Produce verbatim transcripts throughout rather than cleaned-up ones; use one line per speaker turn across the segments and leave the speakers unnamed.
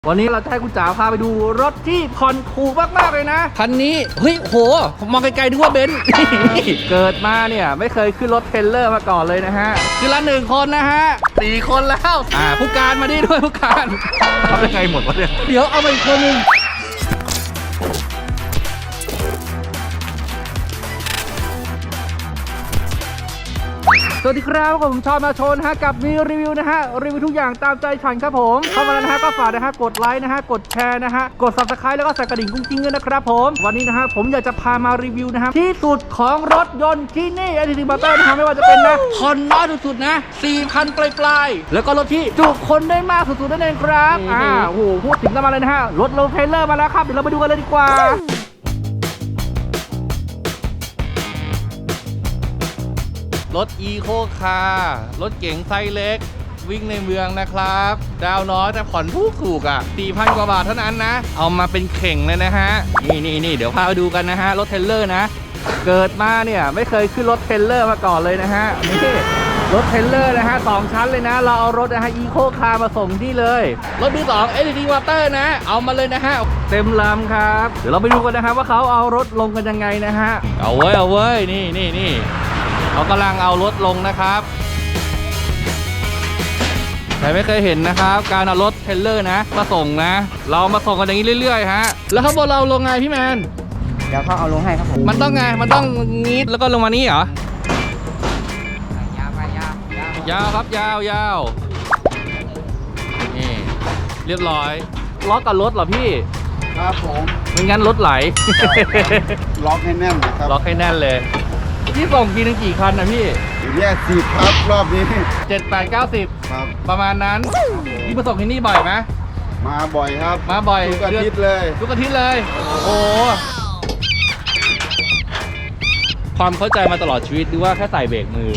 วันนี้เราจะให้คุณจ๋าพาไปดูรถที่ผ่อนถูกมากๆเลยนะคันนี้เฮ้ยโหผมมองไกลๆดูว่าเบนซ์ เกิดมาเนี่ยไม่เคยขึ้นรถเทรลเลอร์มาก่อนเลยนะฮะคือละหนึ่งคนนะฮะสี่คนแล้วอ่าผู้การมาดิด้วยผู้การทำยังไงหมดวะเนี่ยเดี๋ยวเอาไปอีกคนนึงสวัสดีครับผมชอนมาชนฮะกับมีรีวิวนะฮะรีวิวทุกอย่างตามใจฉันครับผมเข้ามาแล้วนะฮะก็ฝากนะฮะกดไลค์นะฮะกดแชร์นะฮะกด ซับสไครบ์ แล้วก็ใส่กระดิ่งกุ้งกิ้งด้วยนะครับผมวันนี้นะฮะผมอยากจะพามารีวิวนะฮะที่สุดของรถยนต์ที่นี่ ไอ ที ซี Motor นะฮะไม่ว่าจะเป็นนะผ่อนน้อยสุดๆนะ สี่พัน ปลายๆแล้วก็รถที่จุคนได้มากสุดๆนั่นเองครับอ่าโอ้โหพูดถึงกันมาเลยนะฮะรถโลเทเลอร์มาแล้วครับเดี๋ยวเราไปดูกันเลยดีกว่ารถอีโคคาร์รถเก๋งไซส์เล็กวิ่งในเมืองนะครับดาวน้อยแต่ผ่อนถูกถูกอ่ะ สี่พัน กว่าบาทเท่านั้นนะเอามาเป็นเข่งเลยนะฮะนี่นี่นี่เดี๋ยวพาไปดูกันนะฮะรถเทรลเลอร์นะเกิดมาเนี่ยไม่เคยขึ้นรถเทรลเลอร์มาก่อนเลยนะฮะนี่รถเทรลเลอร์นะฮะสองชั้นเลยนะเราเอารถนะฮะอีโคคาร์มาส่งที่เลยรถมือสอง เอ ที ซี Motor นะเอามาเลยนะฮะเต็มลำครับเดี๋ยวเราไปดูกันนะฮะว่าเขาเอารถลงกันยังไงนะฮะเอาเว้ยเอาเว้ยนี่นี่นี่เขากำลังเอารถลงนะครับใครไม่เคยเห็นนะครับการเอารถเทรลเลอร์นะมาส่งนะเรามาส่งกันอย่างนี้เรื่อยๆฮะแล้วข้างบนเราลงไงพี่แมน
เดี๋ยวเขาเอาลงให้ครับผม
มันต้องไงมันต้องงี้แล้วก็ลงมานี้เหร
อยาวไปยาวย
าวครับยาวยาวนี่เรียบร้อยล็อกกับรถเหรอพี่
ครับผม
ไม่งั้นรถไหล
ล็อกให้แน่นนะครับ
ล็อกให้แน่นเลยพี่ส่งกี่นึงกี่คันนะพี่
แยกสิบครับรอบนี้
เจ็ด แปด เก้า สิบ
ครับ
ประมาณนั้นพี่มาส่งที่นี่บ่อยไหม
มาบ่อยครับ
มาบ่อย
ทุกอาทิตย์เลย
ทุกอาทิตย์เลยโอ้ความเข้าใจมาตลอดชีวิตดูว่าแค่ใส่เบรกมือ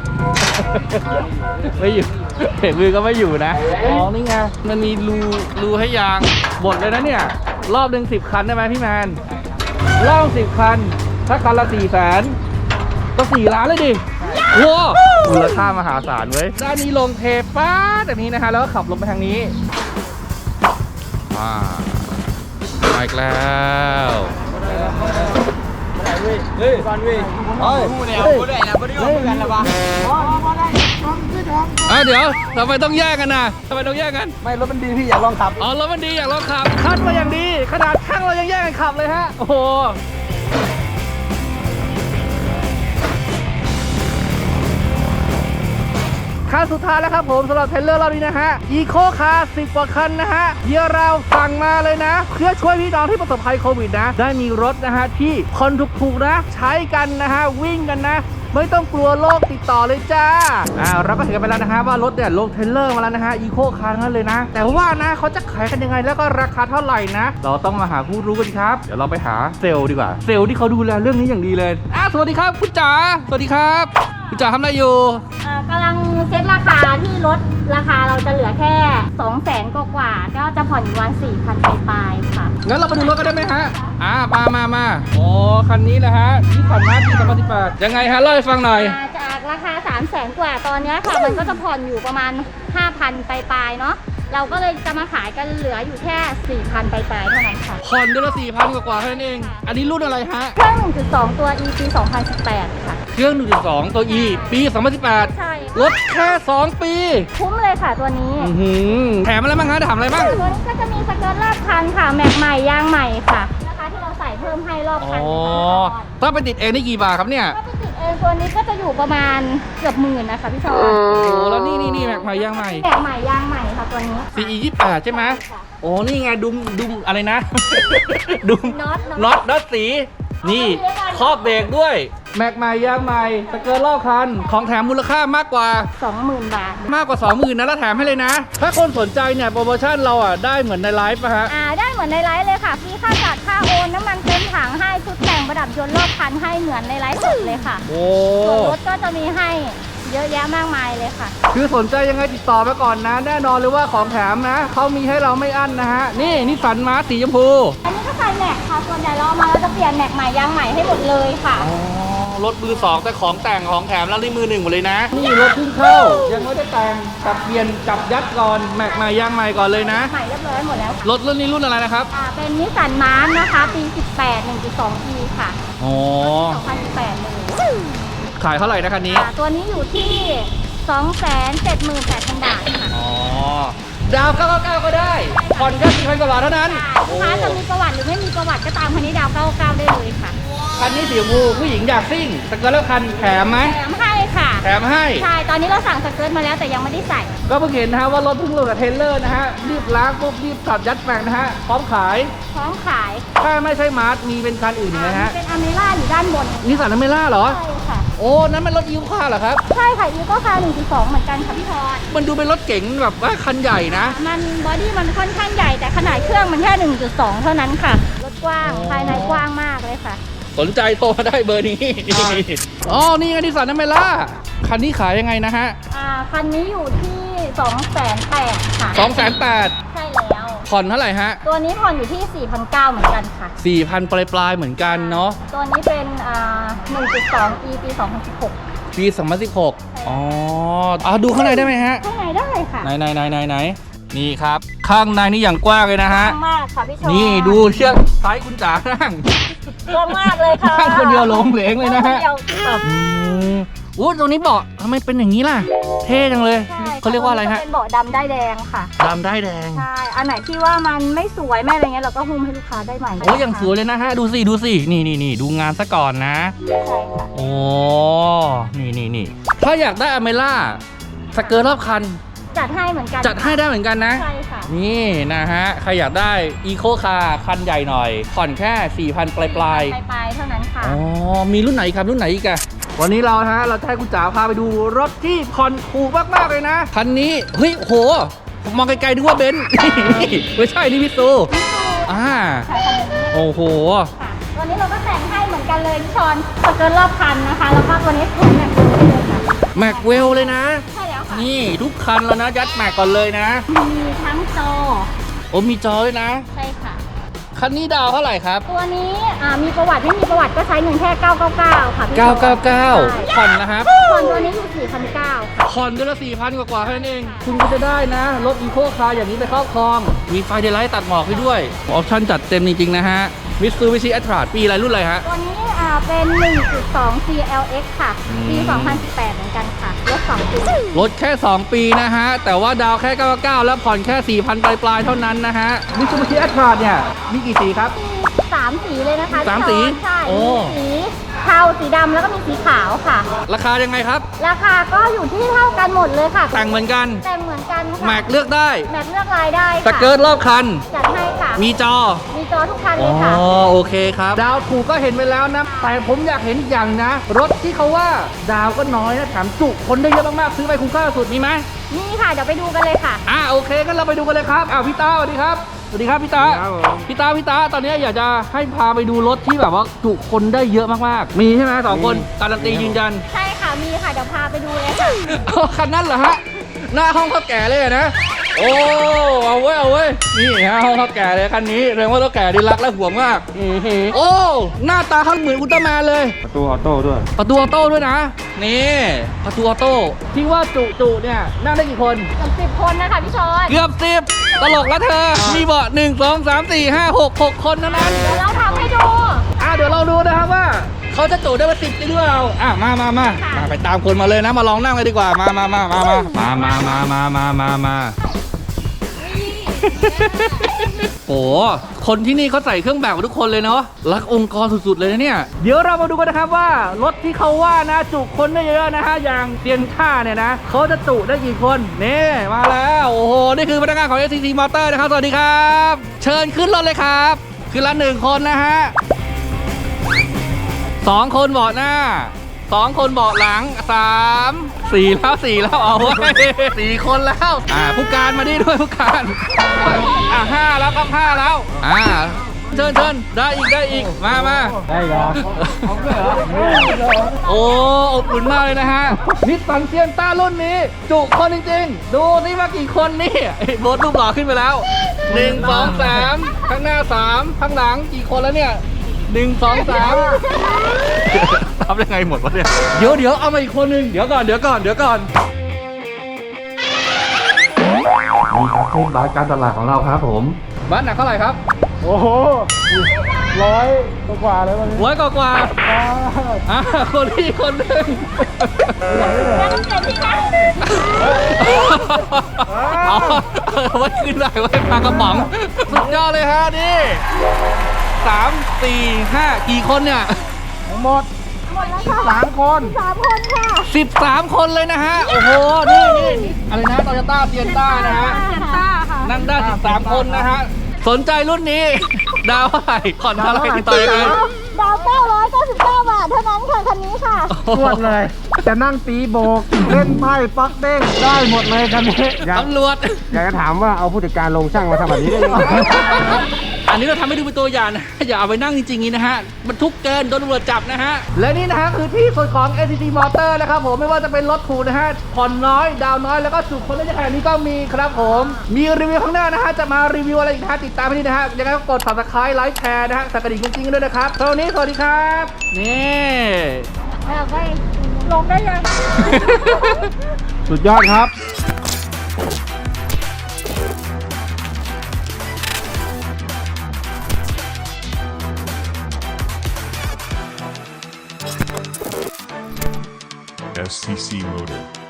ไม่อยู่เบรกมือก็ไม่อยู่นะอ๋อนี่ไงมันมีรูรูให้ยางบดเลยนะเนี่ยรอบหนึ่งสิบคันได้ไหมพี่แมนรอบสิบคันถ้าคันละสี่แสนก็สี่ล้านเลยดิว้าวมูลค่ามหาศาลเว้ยด้านนี้ลงเทป้าจากนี้นะฮะแล้วก็ขับลงไปทางนี้ว้ามาอีกแล้ว
เฮ้ยเฮ้ยก่อนเว้ยเฮ้ยพูดเนี่ยพูดได้นะพูดได้กันแล้วปะ
อ่ะเดี๋ยวทำไมต้องแยกกันนะทำไมต้องแยกกัน
ไม่รถมันดีพี่อยากลองขับ
อ๋อรถมันดีอยากลองขับคัดมาอย่างดีขนาดช่างเรายังแยกกันขับเลยฮะโอ้โหคันสุดท้ายแล้วครับผมสำหรับเทรลเลอร์รอบนี้นะฮะอีโคคาร์สิบกว่าคันนะฮะเดี๋ยวเราสั่งมาเลยนะเพื่อช่วยพี่น้องที่ประสบภัยโควิดนะได้มีรถนะฮะที่คนถูกๆนะใช้กันนะฮะวิ่งกันนะไม่ต้องกลัวโรคติดต่อเลยจ้าอ่าเราก็เห็นกันไปแล้วนะฮะว่ารถเนี่ยลงเทรลเลอร์มาแล้วนะฮะอีโคคาร์นั่นเลยนะแต่ว่านะเขาจะขายกันยังไงแล้วก็ราคาเท่าไหร่นะเราต้องมาหาผู้รู้กันครับเดี๋ยวเราไปหาเซลล์ดีกว่าเซลล์ที่เขาดูแลเรื่องนี้อย่างดีเลยอ่าสวัสดีครับคุณจ๋าสวัสดีครับคุณจ๋าทำอะไรอยู่
กำลังเซ็ตราคาที่รถราคาเราจะเหลือแค่สองแสนกว่าๆก็จะผ่อนอยู่วันสี่พันปลายๆค่ะ
งั้นเราไปดูรถกันได้ไหมฮะอ่ามามามาโอ้คันนี้แหละฮะที่ผ่อนมาที่สองพันสิบแปดยังไงฮะเล่าให้ฟังหน่อย
จากราคาสามแสนกว่าตอนนี้ค่ะมันก็จะผ่อนอยู่ประมาณห้าพันปลายๆเนาะเราก็เลยจะมาขายกันเหลืออยู่แค่สี่พันปลายๆเท่านั้นค่ะ
ผ่อนเดือนละสี่พันกว่าๆเท่านั้นเองอันนี้รุ่นอะไรฮะ
เครื่อง หนึ่งจุดสอง ตัว อี ปี สองพันสิบแปดค่ะ
เครื่อง หนึ่งจุดสอง ตัว E ปีสองพันสิบแปด
ใช่
รถแค่สองปี
คุ้มเลยค่ะตัวนี้
แถมอะไรบ้างฮะถามอะไรบ้าง
ตัวนี้ก็จะมีสเกิร์ตรอบคันค่ะแม็กใหม่ยางใหม่ค่ะนะคะที่เราใส่เพิ่มให้รอบคัน
อ๋อถ้าไปติดเองได้กี่บาทครับเนี่ย
ถ้าไปติดเองตัวนี้ก็จะอยู่ประมาณเกือบหมื่นนะคะพี่ชอน
โอ้แล้วนี่นี่นี่แม็กใหม่ยางใหม่
แม็กใหม่ยางใหม่ค่ะตัวนี้
ซี อี ยี่สิบแปดใช่ไหมโอ้นี่ไงดุมดุมอะไรนะ ดุมน็อตน็อตน็อตสีนี่ครอบเบรกด้วยแม็กใหม่ยางใหม่สเกิร์ตรอบคันของแถมมูลค่ามากกว่า
สองหมื่น บาท
มากกว่า สองหมื่น นะแล้วแถมให้เลยนะถ้าคนสนใจเนี่ยโปรโมชั่นเราอ่ะได้เหมือนในไลฟ์ป่ะฮะ
อ่าได้เหมือนในไลฟ์เลยค่ะฟรีค่าจัดค่าโอนน้ำมันเต็มถังให้ชุดแต่งประดับยนต์รอบคันให้เหมือนในไลฟ์สดเลยค่ะ
โอ้
ส่วนรถก็จะมีให้เยอะแยะมากมายเลยค่ะ
คือสนใจยังไงติดต่อมาก่อนนะแน่นอนเลยว่าของแถมนะเขามีให้เราไม่อั้นนะฮะนี่นิสสันมาร์สีชมพู
อันนี้ก็ใส่แม็กค่ะส่วนใหญ่เราเอามาเราจะเปลี่ยนแม็กใหม่ยางใหม่ให้หมดเลยค่ะ
อ๋อรถมือสองแต่ของแต่งของแถมแล้วนี่มือหนึ่งหมดเลยนะนี่รถเพิ่งเข้ายังไม่ได้แต่งจับเปลี่ยนจับยัดก่อนแม็กใหม่ยางใหม่ก่อนเลยนะ
ใหม่เรียบร้อยหมดแล้ว
รถรุ่นนี้รุ่นอะไรนะครับ
อ่าเป็นนิสสันมาร์นะคะ ปี สิบแปด หนึ่งจุดสอง อี ค่ะ
อ๋อ
สองพันสิบแปดเลย
ขายเท่าไหร่นะคันนี้
อ่าตัวนี้อยู่ที่ สองแสนเจ็ดหมื่นแปดพัน บาทค่ะ
อ๋อดาวเก้าเก้าเก้าก็ได้ผ่อนแค่สี่พันกว่าบาทเท่านั้น
ลูกค้าจะมีประวัติหรือไม่มีประวัติก็ตามคันนี้ดาวเก้าเก้าได้เลยค่ะ
คันนี้สีชมพูผู้หญิงอยากซิ่งสเกิร์ตแล้วคันแถมไหม
แถมให้ค่ะ
แถมให้
ใช่ ตอนนี้เราสั่งสเกิร์ตมาแล้วแต่ยังไม่ได้ใส่
ก็เพิ่งเห็นนะฮะว่ารถเพิ่งลงกับเทรลเลอร์นะฮะรีบล้างปุ๊บรีบตัดยัดแม็กนะฮะพร้อมขาย
พร้อมขาย
ถ้าไม่ใช่มาร์ทมีเป็นคันอื่นอีกไหมฮะ
เป็นอเมร่าอยู่ด้านบน
นิสสันอเมร่าเหรอ
ใช่ค่ะ
โอ้นั้นมันรถยูคาเหรอครับ
ใช่ค่ะอีโก้คาร์หนึ่งจุดสองเหมือนกันค่ะพี่พร
มันดูเป็นรถเก๋งแบบว่าคันใหญ่นะ
มันบอดี้มันค่อนข้างใหญ่แต่ขนาดเครื่องมันแค่ หนึ่งจุดสอง เท่านั้นค่ะ รถกว้าง
อ๋อ
ภายในกว้างมากเลยค่ะ
สนใจโทรมาได้เบอร์นี้ อ๋อ นี่ไงนิสสันอเมร่าคันนี้ขายยังไงนะฮะ
อ่า คันนี้อยู่ที่ สองแสนแปด ค่ะ
สองแสนแปด
ใช่แล้ว
ผ่อนเท่าไหร่ฮะ
ตัวนี้ผ่อนอยู่ที่ สี่พันเก้าร้อย เหมือนกันค่ะ
สี่พันปลายปลายๆเหมือนกันเนาะ
ตัวนี้เป็น อ่า หนึ่งจุดสอง อี ปี สองพันสิบหก
ปีสองพันสิบหกอ๋อเอาดูข้างในได้ไหมฮะ
ข้างในได้ค่ะ
ไหนไหนไหนไหนไหนนี่ครับ ข้างในนี่อย่างกว้างเลยนะฮะ
กว้างมากค่ะพี่ชอน
นี่ดูเชือกซ้ายคุณจ๋านั่ง
กว้างมากเลยค่ะ
นั่งคนเดียวหลงเหลงเลยนะฮะ
คนเดียวค่ะ
อืมอู้ตรงนี้เบาะทำไมเป็นอย่างนี้ล่ะ เท่จังเลย
ใช่
เขาเรียกว่าอะไรฮะ
เป็นเบาะดำได้แดงค่ะ
ดำได้แดง
ใช่ อันไหนที่ว่ามันไม่สวยไม่อะไรเงี้ยเราก็หุ้มให้ลูกค้าได้ใหม่
โอ้ยอย่างสวยเลยนะฮะ ดูสิ ดูสิ นี่นี่นี่ดูงานซะก่อนนะ
ใช่ค่ะ
โอ้ นี่นี่นี่ถ้าอยากได้อเมร่าสเกิร์ตรอบคัน
จัดให้เหมือนกัน
จัดให้ได้เหมือนกันนะ
ใช่ค่ะ
นี่นะฮะ ใครอยากได้อีโคคาร์คันใหญ่หน่อย ผ่อนแค่ สี่พัน ปลายปลาย
ปลายปลายๆเท่านั้นค่ะ
อ๋อ มีรุ่นไหนอีกครับ รุ่นไหนอีกอะวันนี้เราฮะ เราจะให้คุณจ๋าพาไปดูรถที่ผ่อนถูกมาก ๆ เลยนะ คันนี้ เฮ้ย โห ผมมองไกลๆนึกว่าเบนซ์ ไม่ใช่ นี่พี่ซูอ่า
ค่ะคันนี้
โอ้โห
ค่ะตัวนี้เราก็แต่งให้เหมือนกันเลยพี่ชอนสเกิร์ตรอบคันนะคะ แล้วก็ตัวนี้แถมแม็กซ์ให้เลยค่ะ
แม็กเวลเลยนะ
ใช่แล้วค่ะ
นี่ทุกคันแล้วนะ ยัดแม็กก่อนเลยนะ
มีทั้งจอ
โอ้มีจอด้วยนะ
ใช่ค่ะ
คันนี้ดาวเท่าไหร่ครับ
ตัวนี้อ่ามีประวัติไม่มีประวัติก็ใช้เงินแค่ เก้าเก้าเก้า ค่ะพี่ชอน
เก้าเก้าเก้า
ใช่
ผ่อนนะครับ
ผ่อนตัวนี้อยู่ สี่พันเก้าร้อย ค่ะ
ผ่อนเดือนละสี่พันกว่าๆแค่นั้นเอง คุณก็จะได้นะ รถอีโคคาร์อย่างนี้ไปครอบครอง มีไฟเดลไลท์ตัดหมอกให้ด้วย ออปชั่นจัดเต็มจริง ๆ นะฮะมิตซูบิชิแอตราดปีอะไรรุ่นอะไรฮะ
ตัวนี้อ่าเป็น หนึ่งจุดสอง ซี แอล เอ็กซ์ ค่ะ ปี สองพันสิบแปด เหมือนกันค่ะรถสองปี
รถแค่ สอง ปีนะฮะ แต่ว่าดาวแค่ เก้าเก้าเก้า แล้วผ่อนแค่ สี่พัน ปลายๆเท่านั้นนะฮะมิตซูบิชิแอตราดเนี่ยมีกี่สีครับ
มีสามสีเลยนะคะ
สาม
พี่
สี
ชอนใช่
โอ้
มีสีเทาสีดำแล้วก็มีสีขาวค่ะ
ราคายังไงครับ
ราคาก็อยู่ที่เท่ากันหมดเลยค่ะ
แต่งเหมือนกัน
แต่งเหมือนกันค่ะ
แม็กเลือกได้
แม็กเลือกลายได้
ส
ค่ะ
เกิร์ตรอบคัน
จัดให้ค่ะ
มีจอ
มีจอทุกคันเล
อ๋
ย
อ
ค่ะ
โอเคครับ ดาวถูกก็เห็นไปแล้วนะ แต่ผมอยากเห็นอีกอย่างนะ รถที่เขาว่าดาวก็น้อยนะแถมจุคนได้เยอะมากๆ ซื้อไปคุ้มค่าสุดมีไหม
นี่ค่ะเดี๋ยวไปดูกันเลยค่ะ
อ่าโอเคงั้นเราไปดูกันเลยครับอ้าวพี่ตาสวัสดีครับสวัสดีครับพี่ตา
ครับผม
พี่ตาพี่ตาตอนนี้อยากจะให้พาไปดูรถที่แบบว่าจุคนได้เยอะมากๆ มีใช่ไหมสองคนการันตียืนยัน
ใช่ค่ะ มีค่ะ เดี๋ยวพาไปดูเลยค่ะ
อ๋อคันนั้นเหรอฮะหน้าห้องข้าวแก่เลยอะนะ โอ้เอาเว้ยเอาเว้ยนี่ฮะห้องข้าวแก่เลยคันนี้แสดงว่าข้าวแก่ดีรักและห่วงมากอื้อหือโอ้หน้าตาเขาเหมือนอุลตร้าแมนเลย
ประตูออโต้ด้วย
ประตูออโต้ด้วยนะ นี่ประตูออโต้ที่ว่าจุจุเนี่ยนั่งได้กี่คน
เกือบสิบคนนะคะพี่ชอน
เกือบสิบตลกแล้วเธอ มีเบาะหนึ่งสองสามสี่ห้าหกหกคนเท่านั้น
เดี๋ยวเราทำให้ดู
อ่ะเดี๋ยวเราดูนะครับว่า เขาจะจุได้มาสิบจริงหรือเปล่าอ่ะมามามา
ค่ะ
มาไปตามคนมาเลยนะ มาลองนั่งเลยดีกว่ามามามามามามามามามามามาโอ้คนที่นี่เขาใส่เครื่องแบบกับทุกคนเลยเนาะรักองค์กรสุดๆเลยนะเนี่ยเดี๋ยวเรามาดูกันนะครับว่ารถที่เขาว่านะจุคนได้เยอะๆนะฮะอย่างเซียนท่าเนี่ยนะเขาจะจุได้กี่คนนี่มาแล้วโอ้โหนี่คือพนักงานของ เอส ซี ซี Motor นะครับสวัสดีครับ เชิญขึ้นรถเลยครับขึ้นละหนึ่งคนนะฮะสองคนเบาะหน้าสองคนเบาะหลังสามสี่แล้วสี่แล้วเอาไว้ยสี่คนแล้วอ่าผู้การมาดิด้วยผู้การอ่าห้าแล้วครับห้าแล้วอ่าเชิญเชิญได้อีกได้อีกมามา
ได้เหรอ
โอ้อบอุ่นมากเลยนะฮะนิสสันเซียนต้ารุ่นนี้ จุคนจริงๆ ดูนี่ว่ากี่คนนี่ไอ้โบทรูปหล่อขึ้นไปแล้วหนึ่งสองสามข้างหน้าสามข้างหลังกี่คนแล้วเนี่ยหนึ่งสองสามทำยังไงหมดวะเนี่ยเดี๋ยวเดี๋ยวเอามาอีกคนหนึ่งเดี๋ยวก่อนเดี๋ยวก่อนเดี๋ยวก่อนนี่ครับเทศบาสการตลาดของเราครับผมบ้านหนักเท่าไหร่ครับ
โอ้โหร้อยกว่าเลยวันนี้
ร้อยกว่ากว่าอ่ะคนที่คนหนึ่งเอาเอาไว้ขึ้นได้ไว้ปลากระป๋องสุดยอดเลยฮะนี่สามสี่ห้ากี่คนเนี่ย
ทั้งหมด
หมดแล้วค่ะ
สามคน
สามคนค่ะ
สิบสามคนเลยนะฮะ โอ้โห นี่นี่นี่อะไรนะโตโยต้าเซียนต้านะฮะ
เซนต้าค่ะ
นั่งได้สิบสามคนนะฮะ สนใจรุ่นนี้ ดาวเท่าไหร่ผ่อนเท่าไหร่ติดต่อยังไง
ดาวเก้าร้อยเก้าสิบเก้าบาทเท่านั้นค่ะคันนี้ค่ะ
ตรวจเลย จะนั่งตีโบก เล่นไพ่ปักเด้งได้หมดเลยกันนี้อยาก
ตำรวจ
อยากจะถามว่าเอาผู้จัดการลงช่างมาทำแบบนี้ได้ยังไง
อันนี้เราทำให้ดูเป็นตัวอย่างนะ อย่าเอาไปนั่งจริงๆนี้นะฮะ มันทุกเกินโดนตำรวจจับนะฮะ และนี่นะฮะคือที่ส่วนของ เอ ซี ซี Motor นะครับผมไม่ว่าจะเป็นรถถูกนะฮะ ผ่อนน้อย ดาวน้อย แล้วก็สุขคนได้ขนาดนี้ก็มีครับผม มีรีวิวข้างหน้านะฮะ จะมารีวิวอะไรอีกนะฮะ ติดตามให้ดีนะฮะ ยังไงก็กด Subscribe ไลค์แชร์นะฮะสั่นกระดิ่งจริงๆด้วยนะครับสำหรับวันนี้สวัสดีครับ นี่
แบบว่าลงได้ยัง
สุดยอดครับ
S T C Motor.